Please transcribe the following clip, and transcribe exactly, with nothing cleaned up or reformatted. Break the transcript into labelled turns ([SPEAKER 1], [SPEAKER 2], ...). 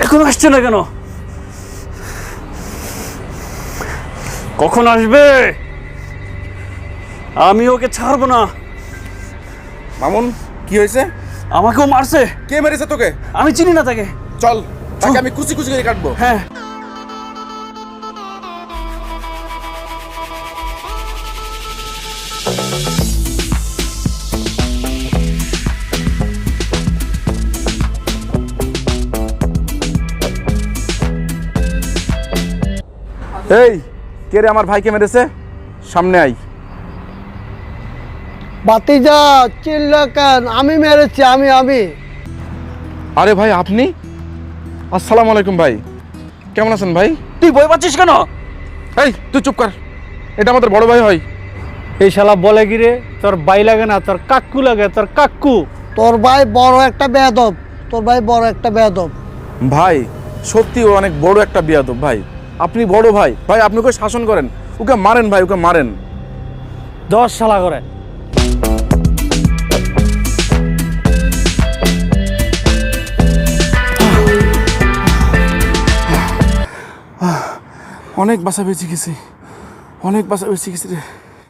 [SPEAKER 1] এখন আসছে না কেন? কখন আসবে? আমি ওকে ছাড়বো না।
[SPEAKER 2] মামুন কি হয়েছে?
[SPEAKER 1] আমাকেও মারছে।
[SPEAKER 2] কে মেরেছে তোকে?
[SPEAKER 1] আমি চিনি না তাকে।
[SPEAKER 2] চল তাকে আমি কুচি কুচি করে কাটবো।
[SPEAKER 1] হ্যাঁ,
[SPEAKER 2] এই কে রে আমার ভাইকে মেরেছে? সামনে আই।
[SPEAKER 3] বাতিজা চিল্লা কেন? আমি মেরেছি, আমি আমি
[SPEAKER 2] আরে ভাই আপনি? আসসালামু আলাইকুম ভাই, কেমন আছেন ভাই?
[SPEAKER 1] তুই ভয় পাচ্ছিস কেন?
[SPEAKER 2] এই তুই চুপ কর, এটা আমাদের বড় ভাই হয়।
[SPEAKER 4] এই শালা বলে গিরে তোর বাই লাগে না, তোর কাক্কু লাগে, তোর কাক্কু।
[SPEAKER 3] তোর ভাই বড় একটা বেয়াদব, তোর ভাই বড় একটা বেয়াদব।
[SPEAKER 2] ভাই সত্যি ও অনেক বড় একটা বিয়াদব ভাই। আপনি বড় ভাই, ভাই আপনি ওকে শাসন করেন, ওকে মারেন ভাই, ওকে মারেন।
[SPEAKER 4] দশ শালা করে।
[SPEAKER 2] অনেক বাসা বেঁচে গেছি, অনেক বাসা বেঁচে গেছি রে।